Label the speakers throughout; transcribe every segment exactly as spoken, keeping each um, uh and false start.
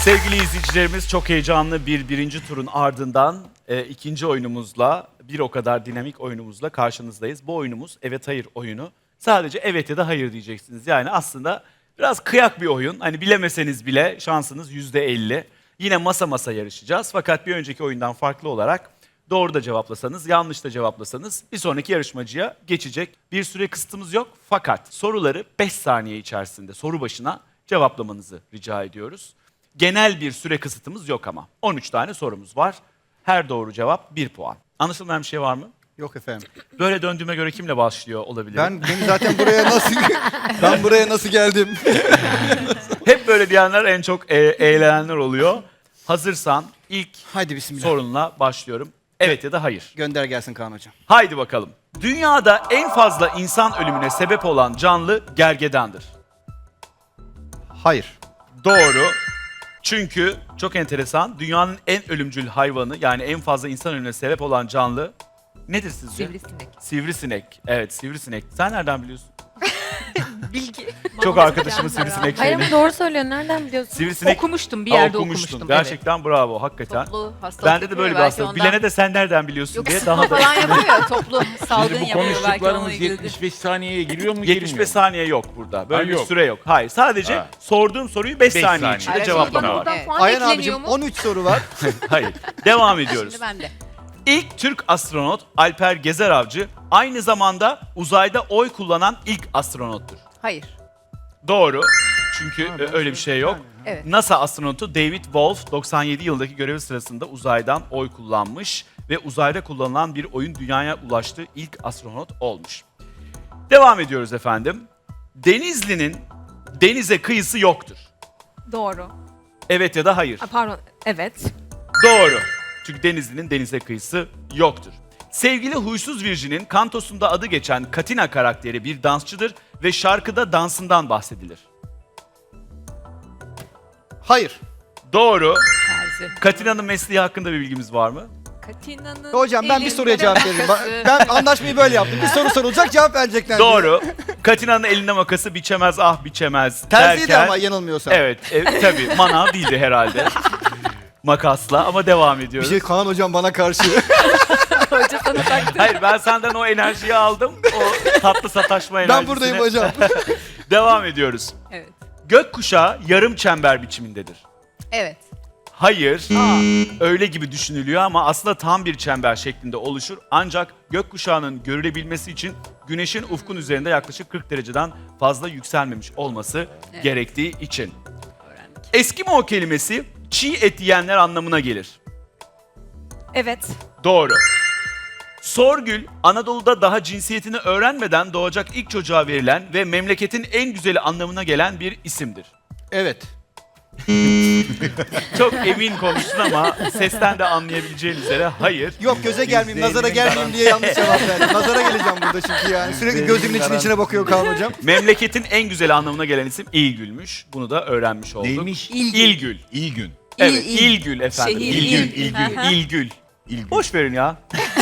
Speaker 1: Sevgili izleyicilerimiz, çok heyecanlı bir birinci turun ardından e, ikinci oyunumuzla, bir o kadar dinamik oyunumuzla karşınızdayız. Bu oyunumuz evet hayır oyunu. Sadece evet ya da hayır diyeceksiniz. Yani aslında biraz kıyak bir oyun. Hani bilemeseniz bile şansınız yüzde elli. Yine masa masa yarışacağız. Fakat bir önceki oyundan farklı olarak doğru da cevaplasanız, yanlış da cevaplasanız bir sonraki yarışmacıya geçecek. Bir süre kısıtımız yok. Fakat soruları beş saniye içerisinde soru başına cevaplamanızı rica ediyoruz. Genel bir süre kısıtımız yok ama. on üç tane sorumuz var. Her doğru cevap bir puan. Anlaşılmayan bir şey var mı?
Speaker 2: Yok efendim.
Speaker 1: Böyle döndüğüme göre kimle başlıyor olabilir?
Speaker 2: Ben beni zaten buraya nasıl ben buraya nasıl geldim?
Speaker 1: Hep böyle diyenler en çok e- eğlenenler oluyor. Hazırsan ilk
Speaker 2: Haydi bismillah.
Speaker 1: sorunla başlıyorum. Evet ya da hayır.
Speaker 2: Gönder gelsin Kaan hocam.
Speaker 1: Haydi bakalım. Dünyada en fazla insan ölümüne sebep olan canlı gergedandır.
Speaker 2: Hayır.
Speaker 1: Doğru. Çünkü çok enteresan. Dünyanın en ölümcül hayvanı, yani en fazla insan ölümüne sebep olan canlı nedir sizce?
Speaker 3: Sivrisinek.
Speaker 1: Sivrisinek. Evet, sivrisinek. Sen nereden biliyorsun?
Speaker 3: Bilgi.
Speaker 1: Çok arkadaşımın sivrisinek
Speaker 4: Hayır
Speaker 1: şeyini.
Speaker 4: ama doğru söylüyor. Nereden biliyorsun?
Speaker 1: Sivrisinek
Speaker 3: Okumuştum, bir
Speaker 1: Aa,
Speaker 3: yerde
Speaker 1: okumuştun.
Speaker 3: okumuştum.
Speaker 1: Gerçekten bravo, hakikaten.
Speaker 3: Toplu hastalık
Speaker 1: Bende de böyle bir
Speaker 3: yapıyor,
Speaker 1: hastalık.
Speaker 3: belki ondan.
Speaker 1: Bilene de sen nereden biliyorsun
Speaker 3: Yok,
Speaker 1: diye
Speaker 3: sıtma
Speaker 1: daha da...
Speaker 3: falan yapıyor ya, toplu salgın
Speaker 5: Şimdi bu
Speaker 3: yapıyor, belki onunla
Speaker 5: konuştuklarımız
Speaker 3: ilgili.
Speaker 5: yetmiş beş saniyeye giriyor mu
Speaker 1: yetmiş
Speaker 5: girmiyor
Speaker 1: beş
Speaker 5: mu?
Speaker 1: saniye yok burada. Böyle
Speaker 5: Ha,
Speaker 1: bir
Speaker 5: yok.
Speaker 1: süre yok. Hayır, sadece
Speaker 5: Ha.
Speaker 1: sorduğum soruyu beş
Speaker 5: Beş
Speaker 1: saniye
Speaker 5: saniye.
Speaker 1: içinde
Speaker 3: Evet,
Speaker 1: cevaplamak.
Speaker 3: sonra
Speaker 1: var.
Speaker 3: buradan puan
Speaker 2: Ayhan
Speaker 3: ekleniyor
Speaker 2: abicim
Speaker 3: mu?
Speaker 2: on üç soru var.
Speaker 1: Hayır, devam ediyoruz.
Speaker 3: Şimdi bende.
Speaker 1: İlk Türk astronot Alper Gezer Avcı aynı zamanda uzayda oy kullanan ilk astronottur.
Speaker 3: Hayır.
Speaker 1: Doğru. Çünkü e, öyle bir şey yok.
Speaker 3: Evet.
Speaker 1: NASA astronotu David Wolf doksan yedi yıldaki görevi sırasında uzaydan oy kullanmış ve uzayda kullanılan bir oyun dünyaya ulaştığı ilk astronot olmuş. Devam ediyoruz efendim. Denizli'nin denize kıyısı yoktur.
Speaker 4: Doğru.
Speaker 1: Evet ya da hayır.
Speaker 4: Ha, pardon. Evet.
Speaker 1: Doğru. Çünkü Denizli'nin denize kıyısı yoktur. Sevgili Huysuz Virjin'in kantosunda adı geçen Katina karakteri bir dansçıdır ve şarkıda dansından bahsedilir.
Speaker 2: Hayır.
Speaker 1: Doğru.
Speaker 3: Terzi.
Speaker 1: Katina'nın mesleği hakkında bir bilgimiz var mı?
Speaker 3: Katina'nın
Speaker 2: Hocam ben bir
Speaker 3: elinde
Speaker 2: soruya cevap veririm.
Speaker 3: makası.
Speaker 2: Ben anlaşmayı böyle yaptım. Bir soru sorulacak cevap verecekler.
Speaker 1: Doğru. Katina'nın elinde makası biçemez ah biçemez
Speaker 2: Terziydi
Speaker 1: derken...
Speaker 2: ama yanılmıyorsam.
Speaker 1: Evet, e, tabii manav değildi herhalde. Makasla ama devam
Speaker 2: Bir
Speaker 1: ediyoruz.
Speaker 2: şey Kaan hocam bana karşı.
Speaker 3: Hoca sana taktı.
Speaker 1: Hayır, ben senden o enerjiyi aldım. O tatlı sataşma enerjisini.
Speaker 2: Ben buradayım hocam.
Speaker 1: Devam ediyoruz.
Speaker 3: Evet.
Speaker 1: Gökkuşağı yarım çember biçimindedir.
Speaker 3: Evet.
Speaker 1: Hayır, öyle gibi düşünülüyor ama aslında tam bir çember şeklinde oluşur. Ancak gökkuşağının görülebilmesi için güneşin ufkun üzerinde yaklaşık kırk dereceden fazla yükselmemiş olması
Speaker 3: Evet.
Speaker 1: gerektiği için.
Speaker 3: Öğrendik.
Speaker 1: Eskimo kelimesi çiğ et yiyenler anlamına gelir.
Speaker 4: Evet.
Speaker 1: Doğru. Sorgül, Anadolu'da daha cinsiyetini öğrenmeden doğacak ilk çocuğa verilen ve memleketin en güzeli anlamına gelen bir isimdir.
Speaker 2: Evet.
Speaker 1: Çok emin konuştun ama sesten de anlayabileceğin üzere hayır.
Speaker 2: Yok göze gelmeyeyim, nazara gelmeyeyim diye yanlış cevap verdim. Nazara geleceğim burada çünkü yani. Sürekli gözümün içine içine bakıyor Kaan hocam.
Speaker 1: Memleketin en güzeli anlamına gelen isim İlgül'müş. Bunu da öğrenmiş olduk.
Speaker 5: Neymiş?
Speaker 3: İlgül.
Speaker 1: İlgül.
Speaker 5: İlgün.
Speaker 1: Evet,
Speaker 3: İl, il.
Speaker 1: İlgül efendim.
Speaker 3: Şehir,
Speaker 1: İlgül,
Speaker 3: il.
Speaker 1: İlgül,
Speaker 3: Aha.
Speaker 1: İlgül.
Speaker 5: İlgün.
Speaker 1: Boş verin ya.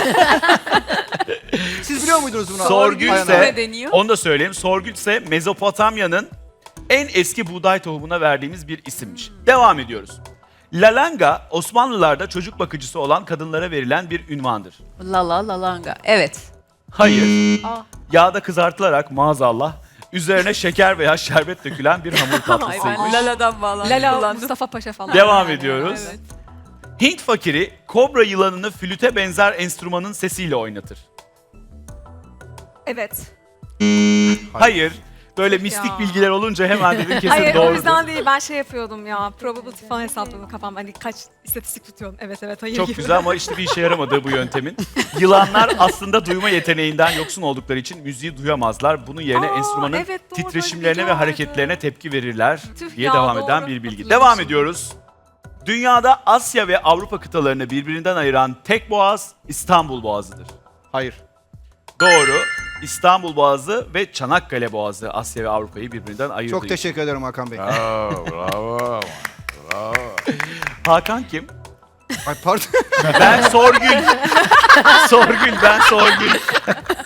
Speaker 2: Siz biliyor muydunuz bunu?
Speaker 1: Sorgül
Speaker 2: Ayhan
Speaker 1: ise,
Speaker 2: abi.
Speaker 3: Ne deniyor?
Speaker 1: onu da söyleyeyim. Sorgül ise Mezopotamya'nın en eski buğday tohumuna verdiğimiz bir isimmiş. Devam ediyoruz. Lalanga, Osmanlılarda çocuk bakıcısı olan kadınlara verilen bir ünvandır.
Speaker 3: Lala lalanga. Evet.
Speaker 1: Hayır.
Speaker 3: Aa.
Speaker 1: Yağda kızartılarak maazallah üzerine şeker veya şerbet dökülen bir hamur
Speaker 3: Ay
Speaker 1: tatlısıymış.
Speaker 3: ben Lala'dan bağlandım.
Speaker 4: Lala
Speaker 3: kullandım.
Speaker 4: Mustafa Paşa falan.
Speaker 1: Devam ediyoruz.
Speaker 3: Evet.
Speaker 1: Hint fakiri kobra yılanını flüte benzer enstrümanın sesiyle oynatır.
Speaker 4: Evet.
Speaker 1: Hayır. Böyle mistik
Speaker 4: Ya.
Speaker 1: bilgiler olunca hemen dedim kesin
Speaker 4: Hayır o
Speaker 1: doğrudur.
Speaker 4: yüzden değil. Ben şey yapıyordum ya. Probability falan hesapladım kafamda. Hani kaç istatistik tutuyorum. Evet evet hayır
Speaker 1: Çok
Speaker 4: gibi.
Speaker 1: güzel ama işte bir işe yaramadığı bu yöntemin. Yılanlar aslında duyma yeteneğinden yoksun oldukları için müziği duyamazlar. Bunun yerine
Speaker 4: Aa,
Speaker 1: enstrümanın
Speaker 4: evet, doğru, böyle
Speaker 1: titreşimlerine
Speaker 4: bilgi
Speaker 1: ve
Speaker 4: vardı.
Speaker 1: hareketlerine tepki verirler
Speaker 4: Tüh
Speaker 1: diye
Speaker 4: ya,
Speaker 1: devam eden
Speaker 4: doğru.
Speaker 1: bir bilgi.
Speaker 4: Hatırlamışım.
Speaker 1: Devam ediyoruz. Dünyada Asya ve Avrupa kıtalarını birbirinden ayıran tek boğaz İstanbul Boğazı'dır.
Speaker 2: Hayır.
Speaker 1: Doğru. İstanbul Boğazı ve Çanakkale Boğazı Asya ve Avrupa'yı birbirinden ayırdığı
Speaker 2: Çok
Speaker 1: için.
Speaker 2: teşekkür ederim Hakan Bey.
Speaker 5: Bravo, bravo. Bravo.
Speaker 1: Hakan kim?
Speaker 2: Ay pardon.
Speaker 1: Ben Sorgül. Sorgül, ben Sorgül.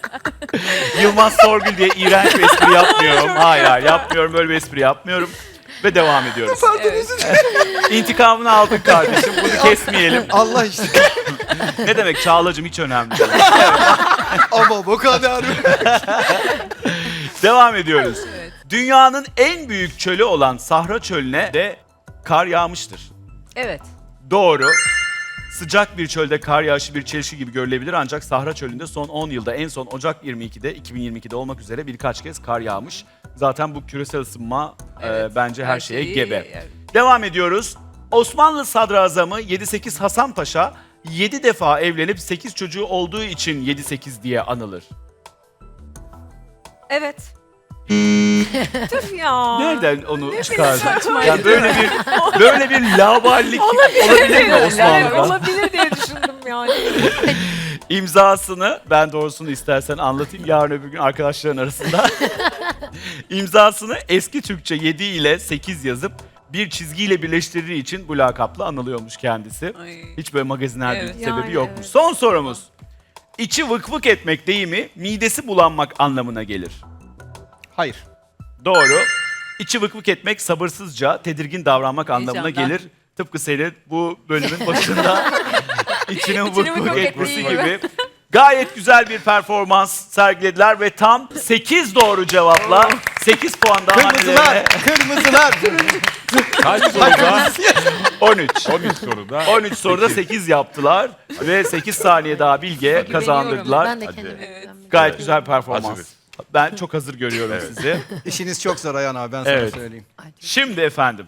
Speaker 1: Yılmaz Sorgül diye iğrenç bir espri yapmıyorum. Hayır, hayır yapmıyorum, böyle bir espri yapmıyorum. ve devam ediyoruz. İntikamını aldın kardeşim. Bunu kesmeyelim.
Speaker 2: Allah işte.
Speaker 1: Ne demek Çağla'cığım, hiç önemli değil.
Speaker 2: Ama bu kadar.
Speaker 1: Devam ediyoruz.
Speaker 3: Evet.
Speaker 1: Dünyanın en büyük çölü olan Sahra Çölü'ne de kar yağmıştır.
Speaker 3: Evet.
Speaker 1: Doğru. Sıcak bir çölde kar yağışı bir çelişki gibi görülebilir, ancak Sahra Çölü'nde son on yılda, en son Ocak yirmi ikide, iki bin yirmi ikide olmak üzere birkaç kez kar yağmış. Zaten bu küresel ısınma
Speaker 3: Evet,
Speaker 1: e, bence her,
Speaker 3: her
Speaker 1: şeye
Speaker 3: şeyi-
Speaker 1: gebe.
Speaker 3: evet.
Speaker 1: Devam ediyoruz. Osmanlı Sadrazamı yedi sekiz Hasan Paşa yedi defa evlenip sekiz çocuğu olduğu için yedi sekiz diye anılır.
Speaker 4: Evet. Tüh ya.
Speaker 1: Nereden onu çıkardın?
Speaker 4: saçma
Speaker 1: Yani böyle bir böyle bir laballik olabilir mi Osmanlı'da?
Speaker 4: Olabilir diye düşündüm yani.
Speaker 1: İmzasını, ben doğrusunu istersen anlatayım yarın öbür gün arkadaşların arasında. İmzasını eski Türkçe yedi ile sekiz yazıp bir çizgiyle birleştirdiği için bu lakapla anılıyormuş kendisi.
Speaker 3: Ay.
Speaker 1: Hiç böyle magazinel
Speaker 3: Evet.
Speaker 1: bir sebebi
Speaker 4: Yani
Speaker 1: yokmuş.
Speaker 4: evet.
Speaker 1: Son sorumuz. İçi vık vık etmek deyimi midesi bulanmak anlamına gelir.
Speaker 2: Hayır.
Speaker 1: Doğru. İçi vık vık etmek sabırsızca, tedirgin davranmak anlamına
Speaker 3: Heyecandan.
Speaker 1: gelir. Tıpkı senin bu bölümün başında içinin vık
Speaker 3: vık
Speaker 1: vık
Speaker 3: vık
Speaker 1: etmesi
Speaker 3: ettiği
Speaker 1: gibi. Gayet güzel bir performans sergilediler ve tam sekiz doğru cevapla sekiz puan daha
Speaker 2: Kırmızılar.
Speaker 1: hannelerine.
Speaker 2: Kırmızılar.
Speaker 5: Kaç soruda?
Speaker 1: on üç.
Speaker 5: on üç soruda.
Speaker 1: on üç soruda sekiz yaptılar ve sekiz saniye daha Bilge kazandırdılar.
Speaker 6: Ben de
Speaker 5: Hadi.
Speaker 6: kendime
Speaker 3: Evet.
Speaker 6: güvenmiyorum.
Speaker 1: Gayet güzel performans.
Speaker 5: Hazırız.
Speaker 1: Ben çok hazır görüyorum sizi.
Speaker 2: İşiniz çok zor Ayhan abi, ben sana
Speaker 1: Evet.
Speaker 2: söyleyeyim.
Speaker 1: Şimdi efendim,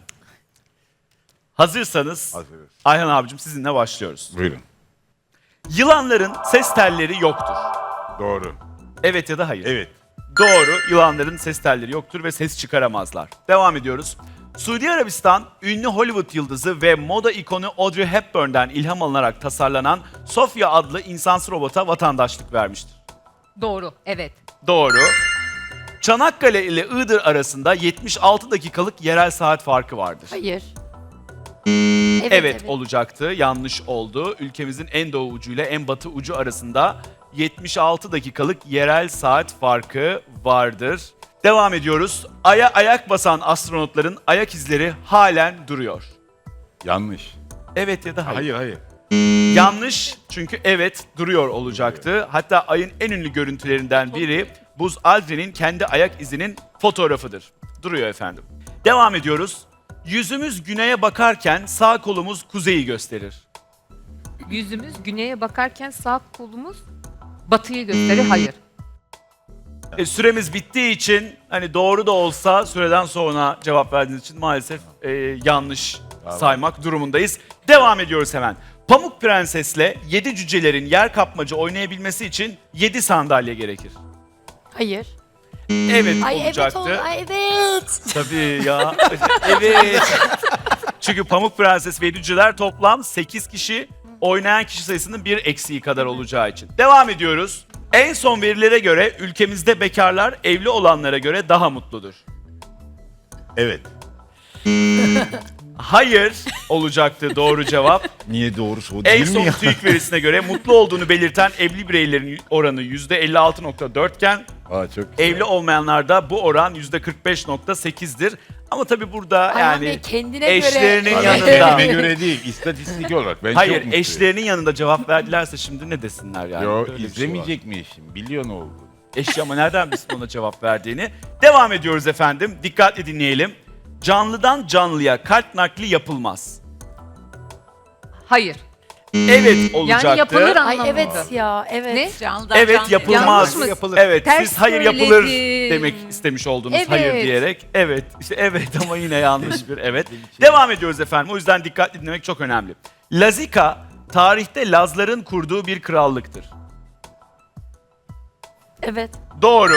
Speaker 1: hazırsanız
Speaker 5: Hazırız.
Speaker 1: Ayhan abicim sizinle başlıyoruz.
Speaker 5: Buyurun.
Speaker 1: Yılanların ses telleri yoktur.
Speaker 5: Doğru.
Speaker 1: Evet ya da hayır?
Speaker 5: Evet.
Speaker 1: Doğru, yılanların ses telleri yoktur ve ses çıkaramazlar. Devam ediyoruz. Suudi Arabistan, ünlü Hollywood yıldızı ve moda ikonu Audrey Hepburn'den ilham alınarak tasarlanan Sofia adlı insansız robota vatandaşlık vermiştir.
Speaker 3: Doğru. Evet.
Speaker 1: Doğru. Çanakkale ile Iğdır arasında yetmiş altı dakikalık yerel saat farkı vardır.
Speaker 6: Hayır.
Speaker 1: Evet, olacaktı. Yanlış oldu. Ülkemizin en doğu ucuyla en batı ucu arasında yetmiş altı dakikalık yerel saat farkı vardır. Devam ediyoruz. Ay'a ayak basan astronotların ayak izleri halen duruyor.
Speaker 5: Yanlış.
Speaker 1: Evet ya da hayır.
Speaker 5: Hayır hayır.
Speaker 1: Yanlış, çünkü evet duruyor olacaktı. Hatta Ay'ın en ünlü görüntülerinden biri Buzz Aldrin'in kendi ayak izinin fotoğrafıdır. Duruyor efendim. Devam ediyoruz. Yüzümüz güneye bakarken sağ kolumuz kuzeyi gösterir.
Speaker 3: Yüzümüz güneye bakarken sağ kolumuz batıyı gösterir. Hayır.
Speaker 1: E, süremiz bittiği için hani doğru da olsa süreden sonra cevap verdiğiniz için maalesef e, yanlış
Speaker 5: Tamam.
Speaker 1: saymak durumundayız. Devam ediyoruz hemen. Pamuk Prenses'le yedi cücelerin yer kapmaca oynayabilmesi için yedi sandalye gerekir.
Speaker 6: Hayır.
Speaker 1: Evet
Speaker 6: Ay evet
Speaker 1: olacaktı.
Speaker 6: oldu. Ay evet.
Speaker 1: Tabii ya. Evet. Çünkü Pamuk Prenses ve yedi cüceler toplam sekiz kişi, oynayan kişi sayısının bir eksiği kadar olacağı için. Devam ediyoruz. En son verilere göre ülkemizde bekarlar evli olanlara göre daha mutludur.
Speaker 5: Evet.
Speaker 1: Hayır olacaktı doğru cevap.
Speaker 5: Niye doğrusu o
Speaker 1: En
Speaker 5: değil mi
Speaker 1: son
Speaker 5: ya?
Speaker 1: TÜİK verisine göre mutlu olduğunu belirten evli bireylerin oranı yüzde elli altı nokta dört iken
Speaker 5: Aa, çok güzel.
Speaker 1: evli olmayanlarda bu oran yüzde kırk beş nokta sekizdir. Ama tabii burada
Speaker 6: Ayhan
Speaker 1: yani
Speaker 6: Bey kendine
Speaker 1: eşlerinin
Speaker 6: göre.
Speaker 5: Abi,
Speaker 1: yanında.
Speaker 5: kendime göre değil, istatistik olarak. Ben çok
Speaker 1: Hayır,
Speaker 5: mutluyum.
Speaker 1: eşlerinin yanında cevap verdilerse şimdi ne desinler yani?
Speaker 5: Yo,
Speaker 1: Öyle bir şey var.
Speaker 5: izlemeyecek mi eşim? Biliyor ne oldu?
Speaker 1: Eşi ama nereden bilsin ona cevap verdiğini? Devam ediyoruz efendim. Dikkatli dinleyelim. Canlıdan canlıya kalp nakli yapılmaz.
Speaker 3: Hayır.
Speaker 1: Evet olacaktı.
Speaker 3: Yani yapılır
Speaker 6: Ay
Speaker 3: anlamında.
Speaker 6: evet ya evet.
Speaker 3: Ne?
Speaker 4: Canlıdan
Speaker 1: Evet
Speaker 4: canlıya.
Speaker 1: yapılmaz.
Speaker 3: Yanlış mı?
Speaker 2: Yapılır.
Speaker 1: Evet,
Speaker 3: Ters
Speaker 1: siz hayır yapılır
Speaker 3: söyledim.
Speaker 1: demek istemiş oldunuz
Speaker 3: Evet.
Speaker 1: hayır diyerek. Evet, işte evet ama yine yanlış bir evet. Devam ediyoruz efendim. O yüzden dikkatli dinlemek çok önemli. Lazika tarihte Lazların kurduğu bir krallıktır.
Speaker 6: Evet.
Speaker 1: Doğru.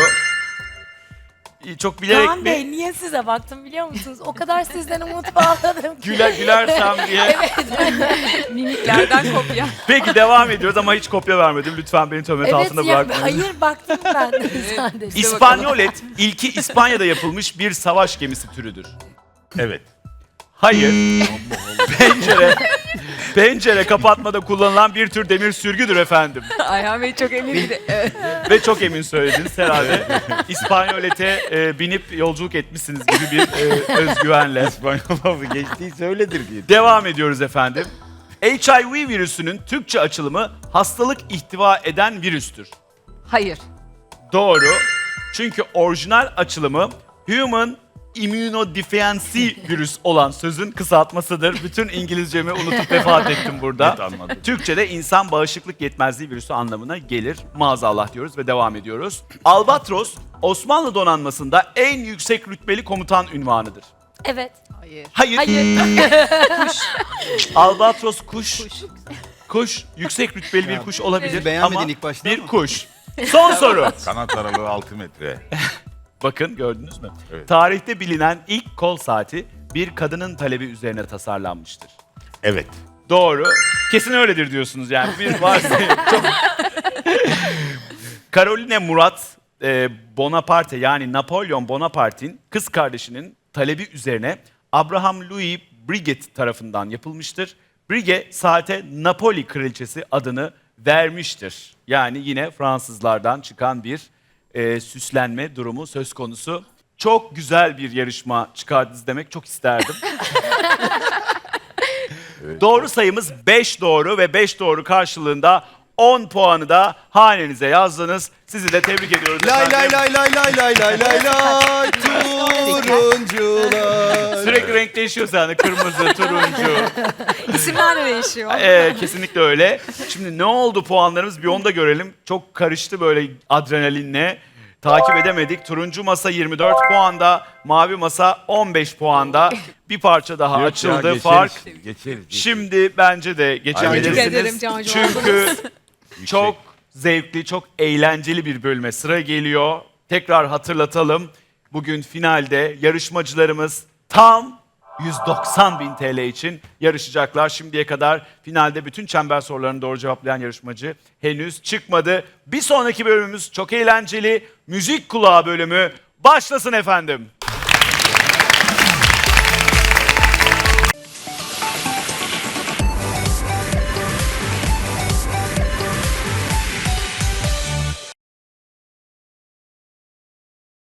Speaker 1: Çok bilerek
Speaker 6: Kaan
Speaker 1: mi?
Speaker 6: Bey niye size baktım biliyor musunuz? O kadar sizden umut bağladım ki.
Speaker 1: Güler gülersem diye.
Speaker 3: Mimiklerden kopya.
Speaker 1: Peki devam ediyoruz ama hiç kopya vermedim. Lütfen beni töhmet
Speaker 6: Evet
Speaker 1: altında
Speaker 6: ya
Speaker 1: bırakmayın.
Speaker 6: hayır baktım ben sadece.
Speaker 1: İspanyolet ilki İspanya'da yapılmış bir savaş gemisi türüdür.
Speaker 5: Evet.
Speaker 1: Hayır. Pencere. Pencere kapatmada kullanılan bir tür demir sürgüdür efendim.
Speaker 3: Ayhan Bey çok emindi. Evet.
Speaker 1: Ve çok emin söylediniz herhalde. İspanyolete e, binip yolculuk etmişsiniz gibi bir e, özgüvenle.
Speaker 5: İspanyol lafı geçtiyse öyledir diye.
Speaker 1: Devam ediyoruz efendim. H I V virüsünün Türkçe açılımı hastalık ihtiva eden virüstür.
Speaker 3: Hayır.
Speaker 1: Doğru. Çünkü orijinal açılımı Human Immunodeficiency virüs olan sözün kısaltmasıdır. Bütün İngilizcemi unutup vefat ettim burada.
Speaker 5: Net anladım.
Speaker 1: Türkçe'de insan bağışıklık yetmezliği virüsü anlamına gelir. Maazallah diyoruz ve devam ediyoruz. Albatros, Osmanlı donanmasında en yüksek rütbeli komutan unvanıdır.
Speaker 6: Evet.
Speaker 3: Hayır.
Speaker 1: Hayır.
Speaker 6: Hayır.
Speaker 1: Albatros kuş. Kuş. Yüksek rütbeli bir kuş olabilir
Speaker 2: Beğenmedin
Speaker 1: ama
Speaker 2: ilk başta
Speaker 1: bir
Speaker 2: ama.
Speaker 1: kuş. Son soru.
Speaker 5: Kanat aralığı altı metre.
Speaker 1: Bakın gördünüz mü?
Speaker 5: Evet.
Speaker 1: Tarihte bilinen ilk kol saati bir kadının talebi üzerine tasarlanmıştır.
Speaker 5: Evet.
Speaker 1: Doğru. Kesin öyledir diyorsunuz yani. Bir varsayım. Çok... Caroline Murat e, Bonaparte yani Napolyon Bonaparte'in kız kardeşinin talebi üzerine Abraham Louis Breguet tarafından yapılmıştır. Breguet saate Napoli kraliçesi adını vermiştir. Yani yine Fransızlardan çıkan bir e, süslenme durumu söz konusu. Çok güzel bir yarışma çıkardınız demek çok isterdim. Doğru sayımız beş doğru ve beş doğru karşılığında on puanı da hanenize yazdınız. Sizi de tebrik ediyoruz
Speaker 2: Lay
Speaker 1: efendim.
Speaker 2: lay lay lay lay lay lay lay lay turuncular.
Speaker 1: Sürekli renk değişiyor sende. Kırmızı, turuncu.
Speaker 4: İsimler de değişiyor.
Speaker 1: Ee, kesinlikle öyle. Şimdi ne oldu puanlarımız bir onu da görelim. Çok karıştı böyle adrenalinle. Takip edemedik. Turuncu masa yirmi dört puanda, mavi masa on beş puanda. Bir parça daha
Speaker 5: Yok ya,
Speaker 1: açıldı
Speaker 5: geçeriz,
Speaker 1: fark.
Speaker 5: Geçeriz. geçeriz.
Speaker 1: Şimdi bence de
Speaker 4: Tebrik ederim
Speaker 1: geçebilirsiniz.
Speaker 4: Cancu.
Speaker 1: Çünkü çok zevkli, çok eğlenceli bir bölüme sıra geliyor. Tekrar hatırlatalım. Bugün finalde yarışmacılarımız tam yüz doksan bin T L için yarışacaklar. Şimdiye kadar finalde bütün çember sorularını doğru cevaplayan yarışmacı henüz çıkmadı. Bir sonraki bölümümüz çok eğlenceli. Müzik kulağı bölümü başlasın efendim.